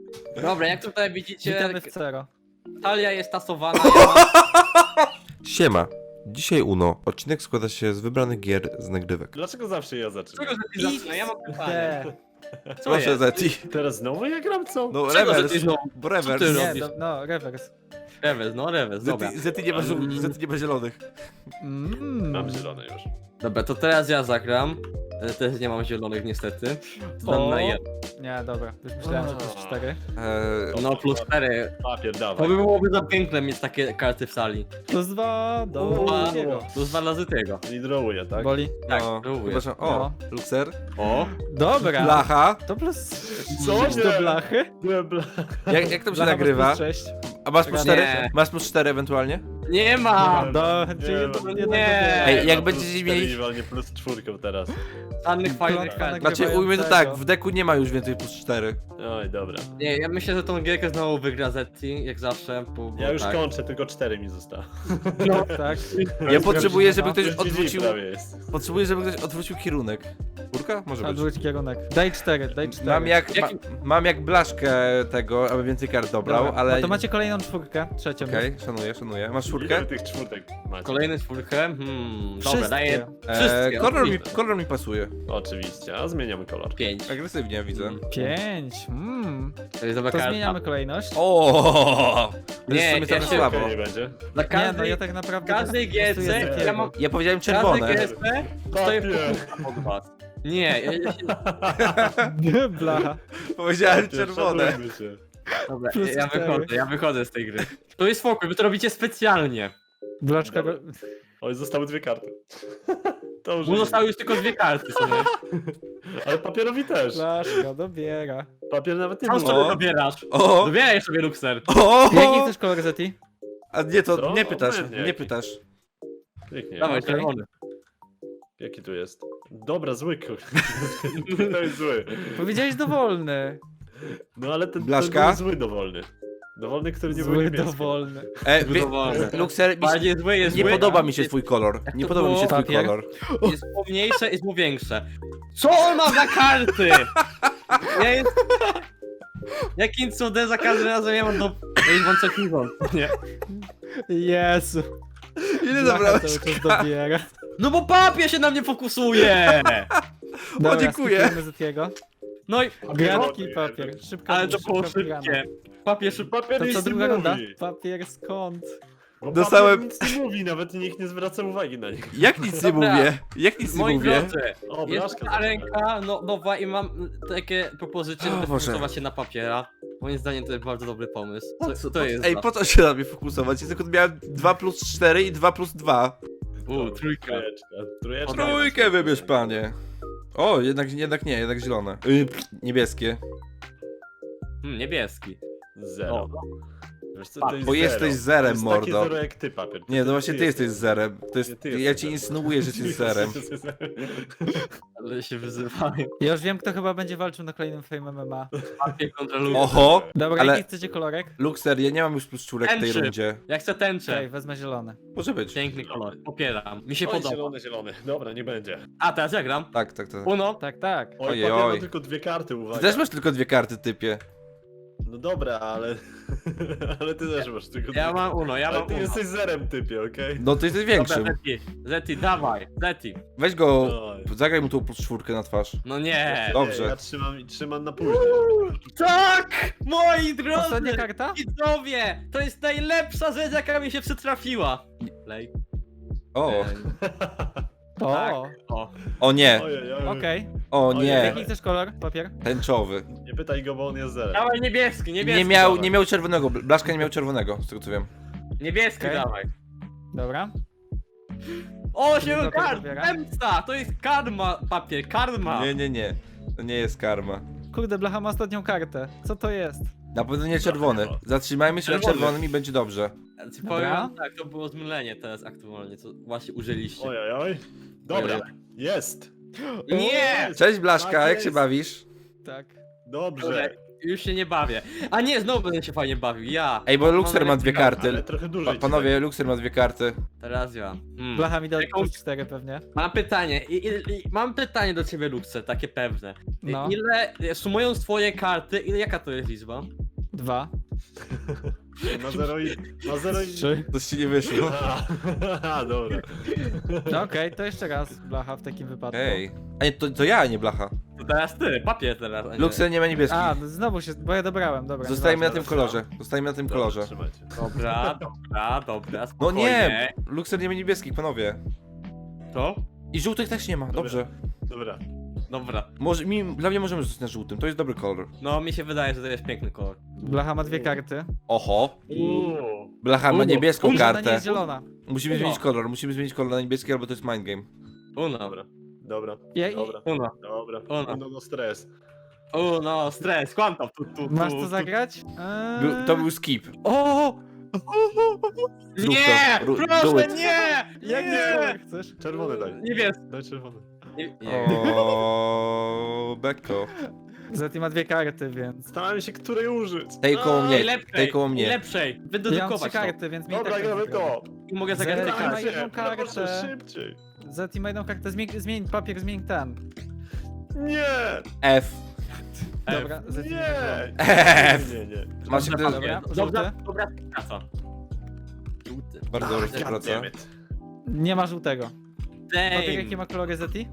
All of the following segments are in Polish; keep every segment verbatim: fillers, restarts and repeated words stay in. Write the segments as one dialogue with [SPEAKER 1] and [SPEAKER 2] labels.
[SPEAKER 1] Dobra, jak tutaj widzicie,
[SPEAKER 2] Witamy w Cero.
[SPEAKER 1] talia jest tasowana. Ja mam...
[SPEAKER 3] Siema. Dzisiaj Uno. Odcinek składa się z wybranych gier z nagrywek.
[SPEAKER 4] Dlaczego zawsze ja zaczynam?
[SPEAKER 1] Czego że ty zaczyna? Ja mam pytanie.
[SPEAKER 2] D.
[SPEAKER 1] Co
[SPEAKER 3] Proszę
[SPEAKER 1] jest?
[SPEAKER 3] Zeti.
[SPEAKER 4] Teraz znowu ja gram, co?
[SPEAKER 3] No
[SPEAKER 1] Czego, że
[SPEAKER 3] rewers.
[SPEAKER 1] ty znowu?
[SPEAKER 3] Bo
[SPEAKER 1] Co
[SPEAKER 3] rewers.
[SPEAKER 1] ty
[SPEAKER 2] Nie,
[SPEAKER 1] robisz?
[SPEAKER 2] do, no, rewers.
[SPEAKER 1] Rewes, no rewes, dobra.
[SPEAKER 3] Zeti, Zeti nie ma żół-
[SPEAKER 1] Mm.
[SPEAKER 3] Zeti nie ma zielonych.
[SPEAKER 2] Mm.
[SPEAKER 4] Mam zielone już.
[SPEAKER 1] Dobra, to teraz ja zagram. E, Też nie mam zielonych niestety. Zdam
[SPEAKER 2] O.
[SPEAKER 1] na jeden.
[SPEAKER 2] Nie, dobra. Już myślałem, że to jest cztery.
[SPEAKER 3] Eee,
[SPEAKER 1] No plus cztery.
[SPEAKER 4] Papier,
[SPEAKER 1] To
[SPEAKER 4] dawaj.
[SPEAKER 1] by byłoby za piękne mieć takie karty w sali.
[SPEAKER 2] Plus dwa do
[SPEAKER 1] Dwa.
[SPEAKER 2] drugiego.
[SPEAKER 1] Plus dwa razy tego.
[SPEAKER 4] I drawuję, tak?
[SPEAKER 2] Boli.
[SPEAKER 1] Tak,
[SPEAKER 3] no,
[SPEAKER 1] próbuję.
[SPEAKER 3] przepraszam. O,
[SPEAKER 2] No.
[SPEAKER 3] Luxer.
[SPEAKER 1] O!
[SPEAKER 2] Dobra.
[SPEAKER 3] Blacha.
[SPEAKER 2] To plus
[SPEAKER 4] Co?
[SPEAKER 2] sześć do
[SPEAKER 4] Nie.
[SPEAKER 2] blachy.
[SPEAKER 4] Byłem bla...
[SPEAKER 3] Jak, jak to się
[SPEAKER 2] Blacha
[SPEAKER 3] nagrywa?
[SPEAKER 2] plus sześć.
[SPEAKER 3] A masz plus
[SPEAKER 2] Nie.
[SPEAKER 3] cztery? Masz plus cztery ewentualnie?
[SPEAKER 1] Nie mam!
[SPEAKER 2] Do,
[SPEAKER 4] Nie,
[SPEAKER 2] czyli
[SPEAKER 4] no.
[SPEAKER 2] to
[SPEAKER 1] Nie.
[SPEAKER 2] jeden
[SPEAKER 1] Ej,
[SPEAKER 2] do
[SPEAKER 3] jak
[SPEAKER 4] Ma
[SPEAKER 3] będziecie
[SPEAKER 4] plus
[SPEAKER 3] mieli-
[SPEAKER 4] cztery, walnie plus czwórką teraz.
[SPEAKER 1] Żadnych fajnych
[SPEAKER 2] Piątka
[SPEAKER 1] kart.
[SPEAKER 2] nagrywa-
[SPEAKER 3] Znaczy ujmę to tak, w deku nie ma już więcej plus cztery.
[SPEAKER 4] Oj, dobra.
[SPEAKER 1] Nie, ja myślę, że tą gierkę znowu wygra Zeti, jak zawsze. Bo, bo
[SPEAKER 4] Ja już
[SPEAKER 1] tak.
[SPEAKER 4] kończę, tylko cztery mi zostało.
[SPEAKER 2] No, tak.
[SPEAKER 3] Ja potrzebuję, żeby
[SPEAKER 2] no.
[SPEAKER 3] ktoś
[SPEAKER 4] Już G G
[SPEAKER 3] odwrócił...
[SPEAKER 4] prawie jest.
[SPEAKER 3] Potrzebuję, żeby ktoś odwrócił kierunek. Kurka? Może być.
[SPEAKER 2] Odwróć kierunek. Daj cztery, daj cztery.
[SPEAKER 3] Mam jak, ma,
[SPEAKER 1] Jaki-
[SPEAKER 3] mam jak blaszkę tego, aby więcej kart dobrał,
[SPEAKER 2] Dobra,
[SPEAKER 3] ale...
[SPEAKER 2] No to macie kolejną czwórkę, trzecią.
[SPEAKER 3] Okej, szanuję, szanuję. Masz
[SPEAKER 4] Ile
[SPEAKER 3] czwórkę?
[SPEAKER 4] tych czwórtek macie?
[SPEAKER 1] Kolejny czwórkę. Hmm, dobra,
[SPEAKER 2] Wszystkie.
[SPEAKER 1] daję
[SPEAKER 3] Eee,
[SPEAKER 1] wszystkie.
[SPEAKER 3] kolor, mi,
[SPEAKER 1] oczywiście.
[SPEAKER 3] kolor mi pasuje.
[SPEAKER 4] Oczywiście, a zmieniamy kolor.
[SPEAKER 1] Pięć.
[SPEAKER 3] Agresywnie widzę.
[SPEAKER 1] Mm.
[SPEAKER 2] Pięć. Mm.
[SPEAKER 1] To jest dobra
[SPEAKER 2] To
[SPEAKER 1] karta.
[SPEAKER 2] zmieniamy kolejność.
[SPEAKER 3] O, To
[SPEAKER 1] Nie,
[SPEAKER 3] jest w sumie
[SPEAKER 1] ja
[SPEAKER 3] trochę
[SPEAKER 1] się-
[SPEAKER 3] słabo.
[SPEAKER 4] Okej, nie będzie.
[SPEAKER 1] Dla
[SPEAKER 2] Nie,
[SPEAKER 1] każdej,
[SPEAKER 2] no ja tak naprawdę...
[SPEAKER 1] każdej
[SPEAKER 2] głosuję
[SPEAKER 1] gierce
[SPEAKER 2] za
[SPEAKER 1] ja
[SPEAKER 2] Kiego.
[SPEAKER 1] mam...
[SPEAKER 3] Ja powiedziałem
[SPEAKER 1] Każdej
[SPEAKER 3] czerwone.
[SPEAKER 1] gierce stoję
[SPEAKER 4] Papier.
[SPEAKER 1] po od was. Nie, ja, ja się...
[SPEAKER 2] Blacha.
[SPEAKER 3] Powiedziałem
[SPEAKER 4] Papier,
[SPEAKER 3] czerwone.
[SPEAKER 4] szanujmy się.
[SPEAKER 1] Dobra,
[SPEAKER 2] Plus
[SPEAKER 1] ja
[SPEAKER 2] cztery.
[SPEAKER 1] wychodzę, ja wychodzę z tej gry. To jest spokój, wy to robicie specjalnie.
[SPEAKER 2] Blaczka...
[SPEAKER 4] Dobra. Oj, zostały dwie karty. To już
[SPEAKER 1] Mu zostały już tylko dwie karty sobie.
[SPEAKER 4] Ale papierowi też.
[SPEAKER 2] Blaszka dobiera.
[SPEAKER 4] Papier nawet nie
[SPEAKER 1] Sam
[SPEAKER 4] był.
[SPEAKER 1] sobie
[SPEAKER 3] O.
[SPEAKER 1] dobierasz.
[SPEAKER 3] O,
[SPEAKER 1] Dobieraj sobie Luxer.
[SPEAKER 3] o!
[SPEAKER 2] Jaki chcesz kolor Zeti?
[SPEAKER 3] A nie, to
[SPEAKER 4] Co?
[SPEAKER 3] nie pytasz,
[SPEAKER 4] Obojętnie
[SPEAKER 3] nie
[SPEAKER 4] jaki.
[SPEAKER 3] pytasz.
[SPEAKER 4] Pięknie.
[SPEAKER 1] Dawaj,
[SPEAKER 2] okej.
[SPEAKER 1] czerwony.
[SPEAKER 4] Jaki tu jest? Dobra, zły kur... To jest zły.
[SPEAKER 2] Powiedziałeś dowolny.
[SPEAKER 4] No ale ten, ten
[SPEAKER 3] Blaszka?
[SPEAKER 4] był zły dowolny. Dowolny, który nie był
[SPEAKER 2] Zły
[SPEAKER 4] niebieski.
[SPEAKER 2] dowolny.
[SPEAKER 3] E, wie,
[SPEAKER 1] Dowolne.
[SPEAKER 3] Luxer, mi się,
[SPEAKER 1] Bardziej zły jest
[SPEAKER 3] nie
[SPEAKER 1] zły,
[SPEAKER 3] podoba
[SPEAKER 1] a
[SPEAKER 3] mi się
[SPEAKER 1] jest,
[SPEAKER 3] twój kolor. Nie
[SPEAKER 1] to
[SPEAKER 3] podoba mi się
[SPEAKER 1] było?
[SPEAKER 3] twój
[SPEAKER 2] Papier?
[SPEAKER 3] kolor.
[SPEAKER 1] jest pomniejsze, jest mu większe. Co on ma za karty? Ja jest... Jakim cudem za każdym razem ja mam do... Ja już mam co piwo. Nie.
[SPEAKER 2] Jezu.
[SPEAKER 3] Ile
[SPEAKER 2] Blacha
[SPEAKER 3] zabrałeś?
[SPEAKER 2] cały czas dobiera.
[SPEAKER 1] No bo papier się na mnie fokusuje!
[SPEAKER 2] Dobra,
[SPEAKER 3] dziękuję.
[SPEAKER 2] skipujemy Zetiego.
[SPEAKER 1] No i...
[SPEAKER 2] Gratki
[SPEAKER 4] Papier.
[SPEAKER 2] papier. Szybko.
[SPEAKER 1] Ale to
[SPEAKER 2] szybko
[SPEAKER 1] było
[SPEAKER 2] wygrana.
[SPEAKER 1] szybkie. Papier szybko.
[SPEAKER 4] Papier
[SPEAKER 2] To
[SPEAKER 4] nic
[SPEAKER 2] co,
[SPEAKER 4] nie
[SPEAKER 2] druga runda?
[SPEAKER 4] mówi.
[SPEAKER 2] Papier skąd?
[SPEAKER 4] Bo
[SPEAKER 3] Dostałem-
[SPEAKER 4] Papier nic nie mówi, nawet nikt nie zwraca uwagi na niego.
[SPEAKER 3] Jak nic nie
[SPEAKER 1] Dobra.
[SPEAKER 3] mówię? Jak nic nie
[SPEAKER 1] Moi
[SPEAKER 3] mówię?
[SPEAKER 1] drodzy,
[SPEAKER 4] O,
[SPEAKER 1] jest
[SPEAKER 4] blaszka.
[SPEAKER 1] ta ręka no, nowa i mam takie propozycje,
[SPEAKER 3] O
[SPEAKER 1] żeby
[SPEAKER 3] Boże.
[SPEAKER 1] fokusować się na papiera. Moim zdaniem to jest bardzo dobry pomysł. Co, co to jest?
[SPEAKER 3] Ej,
[SPEAKER 1] za-
[SPEAKER 3] po co się na mnie fokusować? Ja tylko miałem dwa plus cztery i dwa plus dwa.
[SPEAKER 1] U, trójka.
[SPEAKER 4] Trójeczka. Trójeczka.
[SPEAKER 3] Trójkę wybierz, panie. O, jednak, jednak nie, jednak zielone. Y, pff, niebieskie.
[SPEAKER 1] Hmm, niebieski.
[SPEAKER 4] Zero.
[SPEAKER 1] O.
[SPEAKER 4] Wiesz co, to jest
[SPEAKER 3] Bo
[SPEAKER 4] zero.
[SPEAKER 3] jesteś zerem,
[SPEAKER 4] to jest
[SPEAKER 3] mordo.
[SPEAKER 4] Takie zero jak ty, papier.
[SPEAKER 3] Nie, no właśnie ty jesteś zerem. To jest,
[SPEAKER 4] Nie, ty
[SPEAKER 3] ja
[SPEAKER 4] jesteś
[SPEAKER 3] ci
[SPEAKER 4] zerem.
[SPEAKER 3] insynuuję, że jesteś zerem.
[SPEAKER 1] Ale się wyzywają.
[SPEAKER 2] Ja już wiem, kto chyba będzie walczył na kolejnym Fame M M A.
[SPEAKER 1] Papier kontra Luxer.
[SPEAKER 3] Oho!
[SPEAKER 2] Dobra,
[SPEAKER 3] Ale-
[SPEAKER 2] jaki chcecie kolorek?
[SPEAKER 3] Luxer, ja nie mam już plus czwórek w tej
[SPEAKER 1] Tęczy.
[SPEAKER 3] rundzie.
[SPEAKER 1] Ja chcę tęczę.
[SPEAKER 2] Okej, wezmę zielony.
[SPEAKER 3] Może być.
[SPEAKER 1] Piękny kolor. Popieram. Mi się
[SPEAKER 4] Oj,
[SPEAKER 1] podoba.
[SPEAKER 4] zielony, zielony. Dobra, nie będzie.
[SPEAKER 1] A, teraz ja gram.
[SPEAKER 3] Tak, tak, tak.
[SPEAKER 1] Uno.
[SPEAKER 2] Tak, tak.
[SPEAKER 4] Oj,
[SPEAKER 3] Ojej,
[SPEAKER 4] papier
[SPEAKER 3] oj.
[SPEAKER 4] ma tylko dwie karty, uwaga.
[SPEAKER 3] Ty też masz tylko dwie karty, typie.
[SPEAKER 4] No dobra, ale... ale ty też masz tylko
[SPEAKER 1] Ja
[SPEAKER 4] dwie.
[SPEAKER 1] mam uno, ja
[SPEAKER 4] Ale
[SPEAKER 1] mam
[SPEAKER 4] ty
[SPEAKER 1] uno.
[SPEAKER 4] jesteś zerem, typie, okej?
[SPEAKER 3] No ty jesteś
[SPEAKER 1] Dobra,
[SPEAKER 3] większym.
[SPEAKER 1] Zeti, Zeti, dawaj, Zeti.
[SPEAKER 3] Weź go,
[SPEAKER 4] Oj.
[SPEAKER 3] zagraj mu tą plus czwórkę na twarz.
[SPEAKER 1] No nie.
[SPEAKER 3] Dobrze.
[SPEAKER 4] Nie, ja trzymam, trzymam na później.
[SPEAKER 1] Tak! Moi drodzy!
[SPEAKER 2] Ostatnia karta?
[SPEAKER 1] Widzowie! To jest najlepsza rzecz, jaka mi się przytrafiła. Play.
[SPEAKER 3] O,
[SPEAKER 1] Ej,
[SPEAKER 2] O,
[SPEAKER 1] Tak. O.
[SPEAKER 3] o nie,
[SPEAKER 4] Ojej, ojej.
[SPEAKER 2] okej.
[SPEAKER 3] o
[SPEAKER 4] Ojej.
[SPEAKER 3] nie.
[SPEAKER 2] Jaki chcesz kolor? Papier?
[SPEAKER 3] Tęczowy.
[SPEAKER 4] Nie pytaj go, bo on jest zerem.
[SPEAKER 1] Dawaj niebieski, niebieski.
[SPEAKER 3] Nie miał,
[SPEAKER 1] dawaj.
[SPEAKER 3] nie miał czerwonego, Blaszka nie miał czerwonego, z tego co wiem.
[SPEAKER 1] Niebieski
[SPEAKER 2] Okej.
[SPEAKER 1] dawaj.
[SPEAKER 2] Dobra.
[SPEAKER 1] O, się
[SPEAKER 2] Druga
[SPEAKER 1] kar...
[SPEAKER 2] wybiera.
[SPEAKER 1] Zemsta! To jest karma, papier, karma.
[SPEAKER 3] Nie, nie, nie. To nie jest karma.
[SPEAKER 2] Kurde, Blacha ma ostatnią kartę. Co to jest?
[SPEAKER 3] Na pewno nie czerwony. Zatrzymajmy się na
[SPEAKER 4] Czerwony.
[SPEAKER 3] czerwonym i będzie dobrze.
[SPEAKER 1] Ja ci
[SPEAKER 2] Dobra.
[SPEAKER 1] powiem, tak, to było zmylenie teraz aktualnie, co właśnie użyliście.
[SPEAKER 4] Ojej, oj. Dobra,
[SPEAKER 1] Ojej.
[SPEAKER 4] jest.
[SPEAKER 1] Nie!
[SPEAKER 3] Cześć Blaszka,
[SPEAKER 4] Tak
[SPEAKER 3] jak się
[SPEAKER 4] jest.
[SPEAKER 3] bawisz?
[SPEAKER 2] Tak.
[SPEAKER 4] Dobrze.
[SPEAKER 1] już się nie bawię. A nie, znowu będę się fajnie bawił, ja.
[SPEAKER 3] Ej, bo Luxer ma dwie
[SPEAKER 1] karty.
[SPEAKER 3] karty.
[SPEAKER 4] Ale trochę
[SPEAKER 3] Pa,
[SPEAKER 4] dłużej.
[SPEAKER 3] panowie, Luxer ma dwie karty.
[SPEAKER 1] Teraz ja. Hmm.
[SPEAKER 2] Blacha mi dał
[SPEAKER 1] Jaką-
[SPEAKER 2] plus cztery pewnie.
[SPEAKER 1] Mam pytanie, i, i, i, mam pytanie do ciebie, Luxer, takie pewne. I-
[SPEAKER 2] No.
[SPEAKER 1] Ile, sumując twoje karty, ile, jaka to jest liczba?
[SPEAKER 2] Dwa.
[SPEAKER 4] Ma zero i... Ma zero i...
[SPEAKER 2] Trzy.
[SPEAKER 3] To ci nie wyszło.
[SPEAKER 4] A, dobra.
[SPEAKER 2] No okej, to jeszcze raz Blacha w takim wypadku.
[SPEAKER 3] Ej. A nie, to, to ja, nie blacha.
[SPEAKER 1] To teraz ty, papier teraz. a nie.
[SPEAKER 3] Luxer nie ma niebieskich.
[SPEAKER 2] A, no znowu się, bo ja dobrałem, dobra.
[SPEAKER 3] Zostajemy na tym
[SPEAKER 2] nieważne.
[SPEAKER 3] kolorze. Zostajemy na tym
[SPEAKER 4] Dobra,
[SPEAKER 3] kolorze.
[SPEAKER 4] trzymajcie.
[SPEAKER 1] Dobra, dobra, dobra,
[SPEAKER 3] No
[SPEAKER 1] spokojnie.
[SPEAKER 3] nie! Luxer nie ma niebieskich, panowie.
[SPEAKER 1] To?
[SPEAKER 3] I żółtych też nie ma, dobrze.
[SPEAKER 4] Dobra.
[SPEAKER 1] Dobra.
[SPEAKER 3] Może, mi, dla mnie możemy zostać na żółtym, to jest dobry kolor.
[SPEAKER 1] No, mi się wydaje, że to jest piękny kolor.
[SPEAKER 2] Blacha ma dwie karty.
[SPEAKER 3] Oho.
[SPEAKER 4] Uuu.
[SPEAKER 3] Blacha ma
[SPEAKER 1] Uno.
[SPEAKER 3] niebieską
[SPEAKER 1] Uno,
[SPEAKER 2] Ona nie
[SPEAKER 3] kartę.
[SPEAKER 2] jest zielona.
[SPEAKER 3] Musimy
[SPEAKER 1] Uno.
[SPEAKER 3] zmienić kolor, musimy zmienić kolor na niebieski, albo to jest mind game.
[SPEAKER 1] Uno.
[SPEAKER 4] Dobra. Dobra.
[SPEAKER 2] Ja, i-
[SPEAKER 4] Dobra.
[SPEAKER 1] Uno.
[SPEAKER 4] Dobra.
[SPEAKER 1] Uno.
[SPEAKER 4] No, no stres.
[SPEAKER 1] Uno, stres, kłamtam. Tu, tu, tu,
[SPEAKER 2] Masz
[SPEAKER 1] tu.
[SPEAKER 2] to zagrać? Eee...
[SPEAKER 3] Był, to był skip.
[SPEAKER 2] O!
[SPEAKER 3] Zrób
[SPEAKER 1] Nie!
[SPEAKER 3] to. Ru- do
[SPEAKER 1] Proszę,
[SPEAKER 3] it.
[SPEAKER 1] nie!
[SPEAKER 2] Jak
[SPEAKER 1] Nie!
[SPEAKER 2] nie chcesz?
[SPEAKER 4] Czerwony daj.
[SPEAKER 1] Niebieski.
[SPEAKER 4] Daj czerwony.
[SPEAKER 1] Nie, nie.
[SPEAKER 3] O, Beko.
[SPEAKER 2] Zeti ma dwie karty, więc...
[SPEAKER 4] Starałem się której użyć.
[SPEAKER 3] Tej koło mnie,
[SPEAKER 1] Najlepszej,
[SPEAKER 3] tej koło mnie.
[SPEAKER 1] najlepszej.
[SPEAKER 2] Ja mam trzy
[SPEAKER 1] Wydedukować to.
[SPEAKER 2] karty, więc mi
[SPEAKER 4] Dobra,
[SPEAKER 2] tak
[SPEAKER 4] gramy
[SPEAKER 2] będzie
[SPEAKER 4] to.
[SPEAKER 1] I mogę zagrać te
[SPEAKER 2] Zero.
[SPEAKER 1] karty.
[SPEAKER 2] ma jedną
[SPEAKER 4] Proszę,
[SPEAKER 2] kartę.
[SPEAKER 4] szybciej.
[SPEAKER 2] Zeti ma jedną kartę, zmień, zmień papier, zmień ten.
[SPEAKER 4] Nie!
[SPEAKER 3] F.
[SPEAKER 2] Dobra, Zeti
[SPEAKER 4] Nie!
[SPEAKER 3] F.
[SPEAKER 4] Nie, nie, nie.
[SPEAKER 3] Masz
[SPEAKER 1] Dobra,
[SPEAKER 3] jakby...
[SPEAKER 2] Dobra,
[SPEAKER 1] Dobra,
[SPEAKER 2] żółty.
[SPEAKER 1] dobra, praca. Żółty.
[SPEAKER 3] Bardzo dobra
[SPEAKER 4] God
[SPEAKER 3] współpraca.
[SPEAKER 4] damn it.
[SPEAKER 2] Nie ma żółtego. Papier, jakie
[SPEAKER 1] Damn.
[SPEAKER 2] ma kolory Zeti?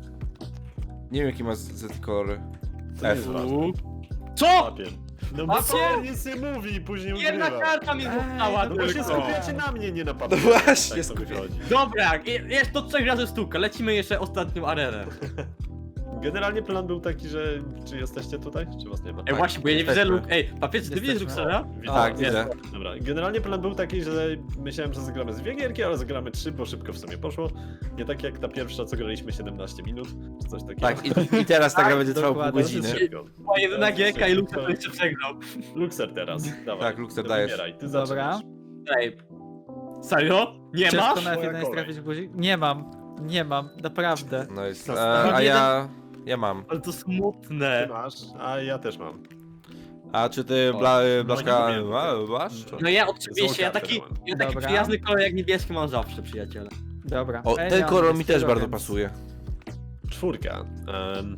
[SPEAKER 3] Nie wiem jaki ma z, z te kolory.
[SPEAKER 4] To nie
[SPEAKER 3] F.
[SPEAKER 4] jest ważne.
[SPEAKER 1] U. Co?
[SPEAKER 4] Papier. No
[SPEAKER 1] A
[SPEAKER 4] bo
[SPEAKER 1] co?
[SPEAKER 4] papier nic nie mówi i później
[SPEAKER 1] Jedna
[SPEAKER 4] ugrywa.
[SPEAKER 1] karta mi została
[SPEAKER 2] Ej,
[SPEAKER 4] No bo się
[SPEAKER 1] tylko.
[SPEAKER 4] skupiacie na mnie, nie na papier.
[SPEAKER 3] No właśnie,
[SPEAKER 4] Tak to
[SPEAKER 3] skupię-
[SPEAKER 4] wychodzi.
[SPEAKER 1] Dobra, i- jest to trzech razy sztuka. Lecimy jeszcze ostatnią arenę.
[SPEAKER 4] Generalnie plan był taki, że czy jesteście tutaj, czy was nie ma?
[SPEAKER 1] Ej, właśnie, bo ja nie widzę
[SPEAKER 3] jesteśmy.
[SPEAKER 1] luk. Ej, papier, czy ty widzisz
[SPEAKER 2] Jesteśmy.
[SPEAKER 1] Luxera?
[SPEAKER 4] Witam.
[SPEAKER 3] Tak,
[SPEAKER 1] jest.
[SPEAKER 3] widzę.
[SPEAKER 4] Dobra, generalnie plan był taki, że myślałem, że zagramy z dwie gierki, ale zagramy trzy, bo szybko w sumie poszło. Nie tak jak ta pierwsza, co graliśmy siedemnaście minut, czy coś takiego.
[SPEAKER 3] Tak, i, i teraz ta gra będzie trwała pół
[SPEAKER 2] dokładnie.
[SPEAKER 3] godziny.
[SPEAKER 4] Szybko.
[SPEAKER 1] Była jedyna
[SPEAKER 4] Teraz
[SPEAKER 1] gierka i
[SPEAKER 4] szybko.
[SPEAKER 1] Luxer to jeszcze przegrał.
[SPEAKER 4] Luxer teraz, dawaj.
[SPEAKER 3] Tak, Luxer,
[SPEAKER 4] Ty
[SPEAKER 3] dajesz.
[SPEAKER 4] wybieraj, Ty
[SPEAKER 2] Dobra.
[SPEAKER 4] zaczynasz.
[SPEAKER 1] Ej. Serio? Nie
[SPEAKER 2] Ciężko
[SPEAKER 1] masz?
[SPEAKER 2] na F
[SPEAKER 4] Moja
[SPEAKER 2] jeden jest
[SPEAKER 4] kolej.
[SPEAKER 2] trafić w guzik? Nie mam. Nie mam, naprawdę.
[SPEAKER 3] No jest.
[SPEAKER 4] To
[SPEAKER 3] A, a
[SPEAKER 1] jeden-
[SPEAKER 3] ja... Ja mam.
[SPEAKER 1] Ale to
[SPEAKER 4] Ty
[SPEAKER 1] smutne.
[SPEAKER 4] masz, a ja też mam.
[SPEAKER 3] A czy ty, Bla, Blaszka,
[SPEAKER 4] nie wiem.
[SPEAKER 3] a, masz?
[SPEAKER 1] No ja oczywiście, ja
[SPEAKER 4] Złą
[SPEAKER 1] taki,
[SPEAKER 4] kartę
[SPEAKER 1] ja taki
[SPEAKER 2] Dobra.
[SPEAKER 1] przyjazny kolor jak niebieski mam zawsze, przyjaciele.
[SPEAKER 2] Dobra.
[SPEAKER 3] O,
[SPEAKER 2] Ej,
[SPEAKER 3] ten
[SPEAKER 2] ja mam
[SPEAKER 3] kolor mi też
[SPEAKER 2] niebieskiego,
[SPEAKER 3] bardzo
[SPEAKER 2] więc-
[SPEAKER 3] pasuje.
[SPEAKER 4] Czwórka. Um...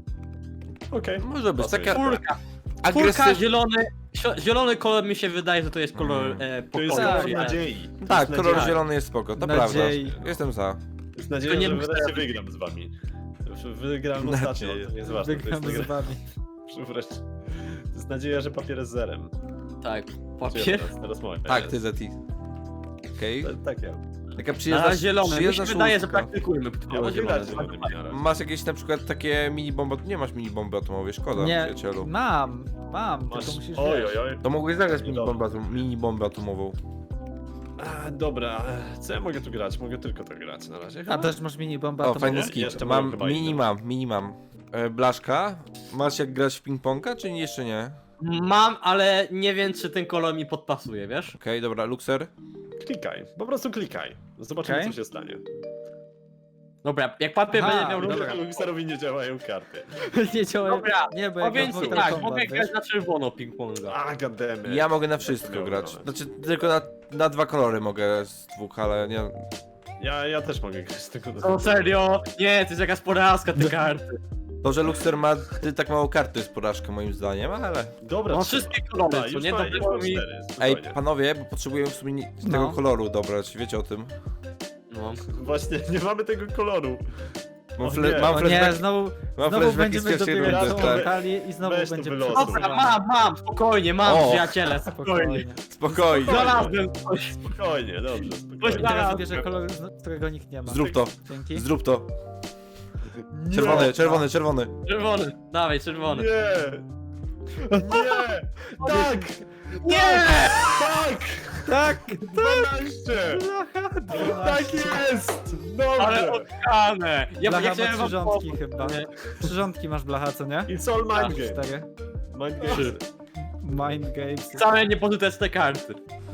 [SPEAKER 4] Okej.
[SPEAKER 3] Może być
[SPEAKER 4] Pasuje.
[SPEAKER 3] taka
[SPEAKER 1] Czwórka. Czwórka,
[SPEAKER 3] agresywna.
[SPEAKER 1] zielony, sio- zielony kolor mi się wydaje, że to jest kolor
[SPEAKER 3] Mm.
[SPEAKER 1] e,
[SPEAKER 4] To jest
[SPEAKER 1] pokoju.
[SPEAKER 4] kolor
[SPEAKER 2] Tak.
[SPEAKER 4] nadziei. To
[SPEAKER 3] Tak,
[SPEAKER 4] jest
[SPEAKER 3] kolor
[SPEAKER 4] nadzieja.
[SPEAKER 3] zielony jest spoko, to
[SPEAKER 2] Nadziei.
[SPEAKER 3] prawda. Jestem za.
[SPEAKER 4] To jest nadzieja,
[SPEAKER 1] To nie
[SPEAKER 4] że
[SPEAKER 1] Luxer.
[SPEAKER 4] wreszcie wygram z wami. Wygrałem ostatnio,
[SPEAKER 3] Nadzieję.
[SPEAKER 4] to nie jest ważne. To
[SPEAKER 2] Wygram
[SPEAKER 4] jest,
[SPEAKER 2] z wami.
[SPEAKER 4] wreszcie. To jest nadzieja, że papier jest zerem.
[SPEAKER 1] Tak,
[SPEAKER 4] Czy ja
[SPEAKER 1] papier.
[SPEAKER 4] Teraz, teraz moje.
[SPEAKER 3] Tak, ty Zeti. Okej.
[SPEAKER 4] To- Tak, ja.
[SPEAKER 3] Taka
[SPEAKER 1] Na
[SPEAKER 3] przyjazna,
[SPEAKER 1] zielony, mi
[SPEAKER 3] przyjazna
[SPEAKER 1] się wydaje, że
[SPEAKER 3] szóstka.
[SPEAKER 1] praktykujmy
[SPEAKER 4] Ja
[SPEAKER 1] kolor
[SPEAKER 4] mogę
[SPEAKER 1] zielony.
[SPEAKER 4] grać zielonymi na razie.
[SPEAKER 3] Masz jakieś na przykład takie mini bomby? Nie masz mini bomby atomowej, szkoda,
[SPEAKER 2] Nie,
[SPEAKER 3] przyjacielu.
[SPEAKER 2] mam, mam,
[SPEAKER 4] Masz...
[SPEAKER 2] tylko musisz
[SPEAKER 4] Oj,
[SPEAKER 2] wiesz.
[SPEAKER 4] oj, oj.
[SPEAKER 3] To mogłeś zagrać
[SPEAKER 4] No
[SPEAKER 3] mini
[SPEAKER 4] dobra.
[SPEAKER 3] bombę, atom- mini bombę atomową.
[SPEAKER 4] A, dobra, co ja mogę tu grać? Mogę tylko to grać na razie.
[SPEAKER 2] A
[SPEAKER 4] chyba?
[SPEAKER 2] też masz mini bombę
[SPEAKER 3] O,
[SPEAKER 2] atomową?
[SPEAKER 3] fajny
[SPEAKER 4] nie?
[SPEAKER 3] skip.
[SPEAKER 4] Jeszcze
[SPEAKER 3] Mam,
[SPEAKER 4] mam chyba
[SPEAKER 3] mini
[SPEAKER 4] inną.
[SPEAKER 3] mam, mini mam. E, Blaszka, masz jak grać w ping-ponga, czy jeszcze nie? Okej,
[SPEAKER 1] Mam, ale nie wiem, czy ten kolor mi podpasuje, wiesz?
[SPEAKER 3] dobra, Luxer.
[SPEAKER 4] Klikaj, po prostu klikaj. Zobaczymy,
[SPEAKER 2] Okej.
[SPEAKER 4] co się stanie.
[SPEAKER 1] Dobra, jak papier
[SPEAKER 2] Aha,
[SPEAKER 1] będzie miał
[SPEAKER 2] dobra.
[SPEAKER 1] różne...
[SPEAKER 4] Luxerowi nie działają karty.
[SPEAKER 2] Nie działają.
[SPEAKER 1] Dobra,
[SPEAKER 2] Nie, bo ja
[SPEAKER 1] Powiem
[SPEAKER 2] gram
[SPEAKER 1] ci
[SPEAKER 2] w
[SPEAKER 1] tak,
[SPEAKER 2] Mortal
[SPEAKER 1] mogę
[SPEAKER 2] Kombat,
[SPEAKER 1] grać
[SPEAKER 2] wiesz?
[SPEAKER 1] na czerwono ping-ponga.
[SPEAKER 4] A, godemy.
[SPEAKER 3] Ja mogę na wszystko
[SPEAKER 4] miałem
[SPEAKER 3] grać.
[SPEAKER 4] nawet.
[SPEAKER 3] Znaczy, tylko na, na dwa kolory mogę z dwóch, ale nie...
[SPEAKER 4] Ja, ja też mogę grać tylko do
[SPEAKER 1] O serio? Nie, to jest jakaś porażka te karty.
[SPEAKER 3] To, że Luxer ma ty, tak mało kart, to jest porażka moim zdaniem, ale...
[SPEAKER 4] Dobra,
[SPEAKER 1] No
[SPEAKER 4] trzeba.
[SPEAKER 1] wszystkie kolory,
[SPEAKER 4] Dobra,
[SPEAKER 1] co
[SPEAKER 4] już
[SPEAKER 1] nie?
[SPEAKER 4] ma,
[SPEAKER 1] To
[SPEAKER 4] już
[SPEAKER 1] było
[SPEAKER 4] mam
[SPEAKER 1] mi...
[SPEAKER 4] cztery,
[SPEAKER 3] Ej,
[SPEAKER 4] spokojnie.
[SPEAKER 3] panowie, bo potrzebujemy w sumie nie-
[SPEAKER 2] No.
[SPEAKER 3] tego koloru dobrać, wiecie o tym?
[SPEAKER 1] No.
[SPEAKER 4] Właśnie, nie mamy tego koloru.
[SPEAKER 3] Mam,
[SPEAKER 4] O
[SPEAKER 3] fle,
[SPEAKER 4] nie.
[SPEAKER 3] mam
[SPEAKER 2] O nie,
[SPEAKER 3] flashback,
[SPEAKER 2] znowu,
[SPEAKER 3] mam
[SPEAKER 2] znowu
[SPEAKER 3] flashbacki z
[SPEAKER 2] będziemy
[SPEAKER 3] pierwszej
[SPEAKER 2] dobierać
[SPEAKER 3] rundy,
[SPEAKER 2] całą
[SPEAKER 3] tak.
[SPEAKER 2] talię i znowu
[SPEAKER 4] Weź to
[SPEAKER 2] będzie
[SPEAKER 4] wylosuj.
[SPEAKER 1] Dobra, mam, mam, spokojnie, mam,
[SPEAKER 3] O.
[SPEAKER 1] przyjaciele, spokojnie.
[SPEAKER 3] Spokojnie.
[SPEAKER 1] Znalazłem coś.
[SPEAKER 4] Spokojnie, dobrze,
[SPEAKER 1] Coś
[SPEAKER 4] spokojnie.
[SPEAKER 1] na-
[SPEAKER 2] Teraz
[SPEAKER 1] Zaraz.
[SPEAKER 2] bierze kolor, z- którego nikt nie ma.
[SPEAKER 3] Zrób to,
[SPEAKER 2] Dzięki.
[SPEAKER 3] zrób to.
[SPEAKER 4] Nie.
[SPEAKER 3] Czerwony, czerwony, czerwony.
[SPEAKER 1] Czerwony, dawaj, czerwony.
[SPEAKER 4] Nie! Nie! Tak!
[SPEAKER 1] Nie!
[SPEAKER 4] Tak!
[SPEAKER 2] Tak!
[SPEAKER 4] dwanaście! Tak jest! Dobrze!
[SPEAKER 1] Ale odkane! Ja,
[SPEAKER 2] Blacha
[SPEAKER 1] ja
[SPEAKER 2] ma
[SPEAKER 1] chciałem wam
[SPEAKER 2] przyrządki
[SPEAKER 1] pomóc,
[SPEAKER 2] chyba.
[SPEAKER 1] nie?
[SPEAKER 2] Przyrządki masz blacha, co nie?
[SPEAKER 4] It's all mind game.
[SPEAKER 2] Cztery.
[SPEAKER 4] Mind game.
[SPEAKER 2] Mind games.
[SPEAKER 1] Same niepożyteczne karty.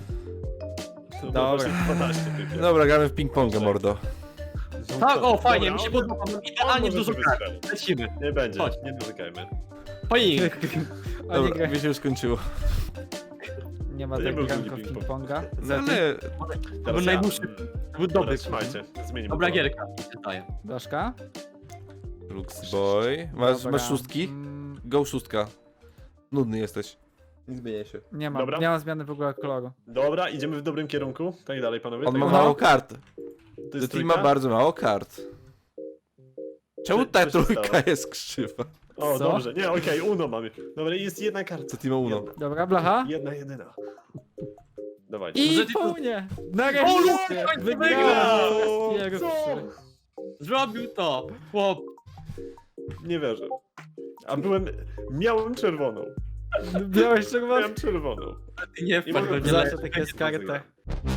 [SPEAKER 4] To
[SPEAKER 2] Dobra.
[SPEAKER 4] właśnie dwanaście tylko.
[SPEAKER 3] Dobra, gramy w ping-ponga, mordo.
[SPEAKER 1] Tak, o fajnie, mi
[SPEAKER 4] Dobra,
[SPEAKER 1] się
[SPEAKER 4] on-
[SPEAKER 1] podoba, mam
[SPEAKER 4] on
[SPEAKER 1] idealnie
[SPEAKER 4] może
[SPEAKER 1] dużo
[SPEAKER 4] sobie
[SPEAKER 1] kart.
[SPEAKER 4] strzelić.
[SPEAKER 1] Lecimy.
[SPEAKER 4] Nie będzie,
[SPEAKER 1] Chodź.
[SPEAKER 4] nie dotykajmy.
[SPEAKER 1] Pojink.
[SPEAKER 2] O, nie,
[SPEAKER 3] Dobra,
[SPEAKER 2] gra...
[SPEAKER 3] mi się już skończyło.
[SPEAKER 2] nie ma
[SPEAKER 4] To nie
[SPEAKER 2] tego
[SPEAKER 4] był
[SPEAKER 2] granka w
[SPEAKER 4] drugi
[SPEAKER 2] ping-ponga.
[SPEAKER 3] No ale...
[SPEAKER 1] To był najdłuższy. To był dobry.
[SPEAKER 4] Dobra, trzymajcie, zmienimy
[SPEAKER 1] Dobra
[SPEAKER 4] kolor.
[SPEAKER 1] gierka, mi się zdaje.
[SPEAKER 2] Blaszka?
[SPEAKER 3] Lux boy. Masz,
[SPEAKER 2] Dobra.
[SPEAKER 3] masz szóstki?
[SPEAKER 2] Mm,
[SPEAKER 3] Go szóstka. Nudny jesteś. Nie zmieniaj się.
[SPEAKER 2] nie ma,
[SPEAKER 4] Dobra.
[SPEAKER 2] nie ma zmiany w ogóle koloru.
[SPEAKER 4] Dobra, idziemy w dobrym kierunku. Tak dalej, panowie.
[SPEAKER 3] On
[SPEAKER 4] tak
[SPEAKER 3] ma
[SPEAKER 4] dalej.
[SPEAKER 3] mało kart.
[SPEAKER 4] To
[SPEAKER 3] The
[SPEAKER 4] jest
[SPEAKER 3] team ma
[SPEAKER 4] trójka?
[SPEAKER 3] bardzo mało kart. Czemu
[SPEAKER 4] Co-
[SPEAKER 3] ta
[SPEAKER 4] co się
[SPEAKER 3] trójka
[SPEAKER 4] stało?
[SPEAKER 3] jest krzywa?
[SPEAKER 4] O,
[SPEAKER 2] Co?
[SPEAKER 4] dobrze. Nie, okej, Uno mamy. Dobra, jest jedna karta.
[SPEAKER 3] Co team ma Uno?
[SPEAKER 4] Jedna,
[SPEAKER 2] Dobra, blacha?
[SPEAKER 4] jedna jedyna. Dawajcie.
[SPEAKER 2] I
[SPEAKER 1] Może ty to-
[SPEAKER 2] punie!
[SPEAKER 1] O,
[SPEAKER 2] Nareszcie!
[SPEAKER 1] Luke, końcu
[SPEAKER 2] Wygrał!
[SPEAKER 1] wygrał!
[SPEAKER 2] Pierwszy.
[SPEAKER 4] Co?
[SPEAKER 1] Zrobił to! Chłop.
[SPEAKER 4] Nie wierzę. A byłem... Miałem czerwoną.
[SPEAKER 2] Białeś czerwony.
[SPEAKER 4] Miałem czerwoną.
[SPEAKER 1] Nie
[SPEAKER 4] I
[SPEAKER 1] wpadł
[SPEAKER 4] mogę
[SPEAKER 1] do
[SPEAKER 4] zawsze
[SPEAKER 2] Zawsze takie jest karta.